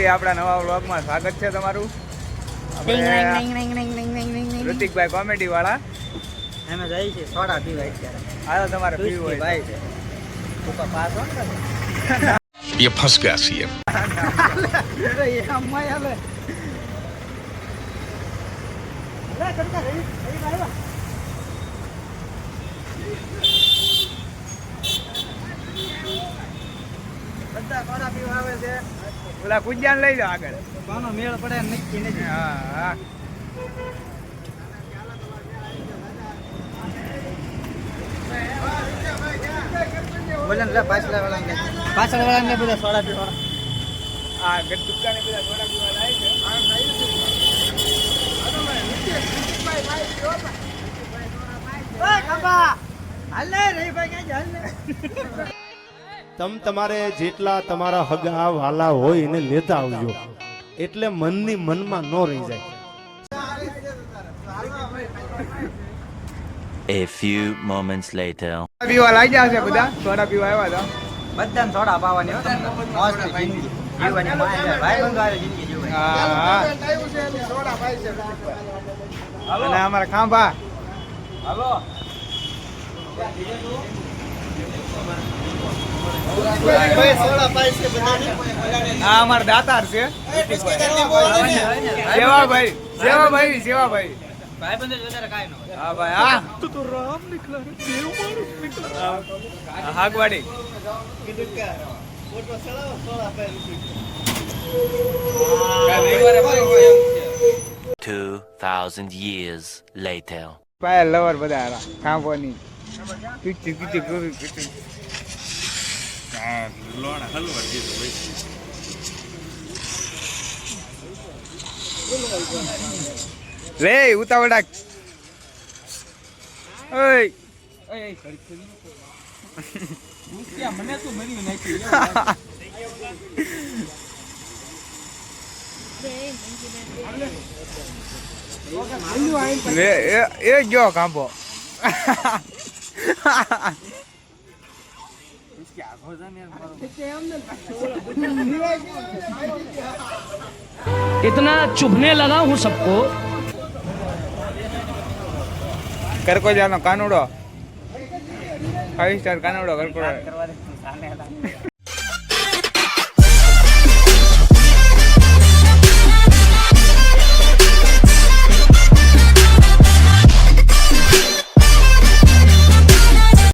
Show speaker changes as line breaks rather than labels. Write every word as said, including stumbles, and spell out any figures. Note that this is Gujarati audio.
આપણા નવા વ્લોગમાં સ્વાગત છે તમારું. ઋતિકભાઈ કોમેડી વાળા
અમે જાય છે સોડા પીવા અત્યારે.
હાલો તમારે પીવું હોય
ભાઈ છે તું પાસ હો ને
ये फंस गया सीएम
અરે એ અમ્મા આલે લે કરતા રહી રહી આવ્યા બધા સોડા પીવા આવે છે.
ઓલા કુંજાન લઈ લો આગળ.
કોનો મેળ પડે નક્કી નથી.
હા હા
બોલે ને પાછળ વાળા પાછળ વાળા ને બધા સોડા પીવા
આ ગટુકાને બધા થોડા પીવા લાય છે.
તમ તમારે જેટલા તમારા હગા વાલા હોય એને લેતા આવજો એટલે મનની મનમાં ન રહી જાય.
A few moments later.
પીવા લાઈ ગયા છે બધા. સોડા પીવા આવ્યા હતા.
બધાને સોડા પાવાની હો તમને મોસ્ટ જિંદગી જીવવાની માય ભાઈ બંધ વાળી જિંદગી જીવવાની.
હા હા અને અમારા ખાંભા હાલો આ અમારા દાતાર છે સેવાભાઈ સેવાભાઈ સેવાભાઈ
ભાઈ બંધ વધારે કાઈ ન હોય.
હા ભાઈ હા તું તો રામ નીકળા રે દેવ માણસ નીકળા હાગવાડી
Two thousand years later.
Payal lover બધા હતા ખાંભોની કીચી કીચી કરી કીચી રે ઉતાવળા ઓય
મને તું મરી નાખી
રે એ એ જો ખાંભો
इतना चुभने लगा हूँ सबको.
કરકોજાનો કાનુડો ફાઈવ સ્ટાર કાનુડો કરકોડો
કરવા દે સાને